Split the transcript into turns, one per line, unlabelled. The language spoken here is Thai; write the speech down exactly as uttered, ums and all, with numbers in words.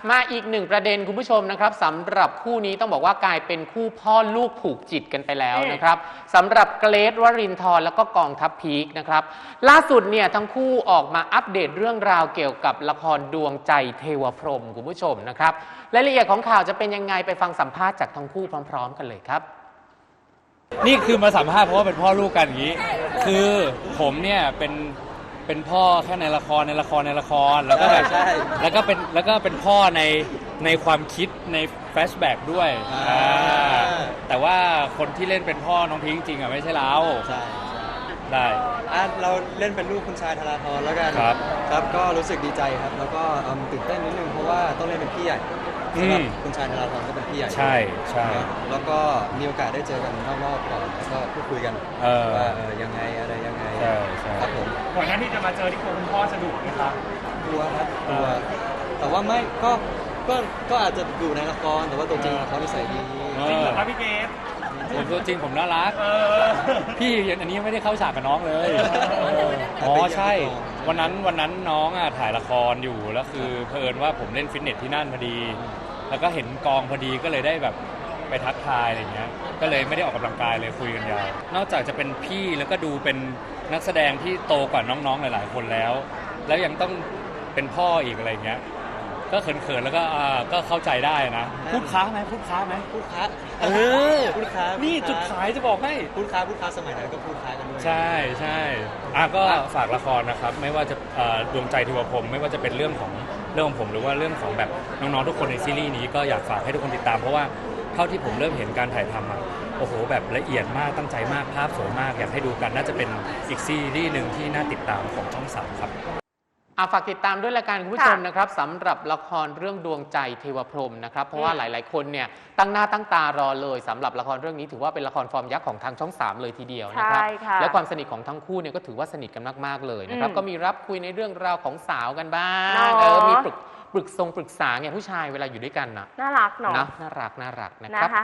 มาอีกหนึ่งประเด็นคุณผู้ชมนะครับสำหรับคู่นี้ต้องบอกว่ากลายเป็นคู่พ่อลูกผูกจิตกันไปแล้วนะครับสำหรับเกรทวรินทร์แล้วก็กองทัพพีคนะครับล่าสุดเนี่ยทั้งคู่ออกมาอัปเดตเรื่องราวเกี่ยวกับละครดวงใจเทวพรหมคุณผู้ชมนะครับรายละเอียดของข่าวจะเป็นยังไงไปฟังสัมภาษณ์จากทั้งคู่พร้อมๆกันเลยครับ
นี่คือมาสัมภาษณ์เพราะว่าเป็นพ่อลูกกันอย่างนี้คือผมเนี่ยเป็นเป็นพ่อแค่ในละครในละครในละครแล้วก็แบบแล้วก็เป็นแล้วก็เป็นพ่อในในความคิดในแฟลชแบ็กด้วยแต่ว่าคนที่เล่นเป็นพ่อน้องพิงค์จริงอ่ะไม่ใช่เรา
ใช่
ได้
เราเล่นเป็นลูกคุณชายธราธรแล้วกัน
ครับ
ครับก็รู้สึกดีใจครับแล้วก็ตื่นเต้นนิดนึงเพราะว่าต้องเล่นเป็นพี่ใหญ่สำหรับคุณชายธราธรก็เป็นพี่ใหญ่
ใช่ใช่
แล้วก็มีโอกาสได้เจอกันนอกๆก่อนแล้วก็พูดคุยกันว่ายังไงอะไรยังไงครับผม
ก่อนหน้าที่จะมาเจอที่คุณพ่อสะดวกไหมครับ
กลัวครับกลัวแต่ว่าไม่ก็ก็ก็อาจจะอยู่ในละครแต่ว่าตัวจริงเขานิสัยดี
จริงเหรอครับพี่เกศ
ผมตัวจริงผมน่ารักพี่อันนี้ยังไม่ได้เข้าฉากกับน้องเลยอ๋อใช่วันนั้นวันนั้นน้องอ่ะถ่ายละครอยู่แล้วคือเผอิญว่าผมเล่นฟิตเนสที่นั่นพอดีแล้วก็เห็นกองพอดีก็เลยได้แบบไปทักทายอะไรเงี้ยก็เลยไม่ได้ออกกำลังกายเลยคุยกันยาวนอกจากจะเป็นพี่แล้วก็ดูเป็นนักแสดงที่โตกว่าน้องๆหลายๆคนแล้วแล้วยังต้องเป็นพ่ออีกอะไรเงี้ยก็เขินๆแล้วก็อ่าก็เข้าใจได้นะพูดค้าไหมพูดค้าไหม
พูดค้า
เออ
พูดค้า
นี่จุดขายจะบอกให้
พูดค้าพูดค้าสมัยนั้นก็พูดค้ากันด้วย
ใช่ใช่อ่ะก็ฝากละครนะครับไม่ว่าจะดวงใจเทวพรหมไม่ว่าจะเป็นเรื่องของเรื่องของผมหรือว่าเรื่องของแบบน้องๆทุกคนในซีรีส์นี้ก็อยากฝากให้ทุกคนติดตามเพราะว่าเท่าที่ผมเริ่มเห็นการถ่ายทำอ่ะโอ้โหแบบละเอียดมากตั้งใจมากภาพสวยมากอยากให้ดูกันน่าจะเป็นอีกซีรีส์หนึ่งที่น่าติดตามของช่องสามครับ
อาฝากติดตามด้วยละกันคุณผู้ชมนะครับสำหรับละครเรื่องดวงใจเทวพรหมนะครับเพราะว่าหลายๆคนเนี่ยตั้งหน้าตั้งตารอเลยสำหรับละครเรื่องนี้ถือว่าเป็นละครฟอร์มยักษ์ของทางช่องสามเลยทีเดียวนะครับและความสนิทของทั้งคู่เนี่ยก็ถือว่าสนิทกันมากๆเลยนะครับก็มีรับคุยในเรื่องราวของสาวกันบ้างเออมีปรึกปรึกทรงปรึกษาไงผู้ชายเวลาอยู่ด้วยกันนะ
น่ารักเนาะ
น่ารักน่ารักนะครับ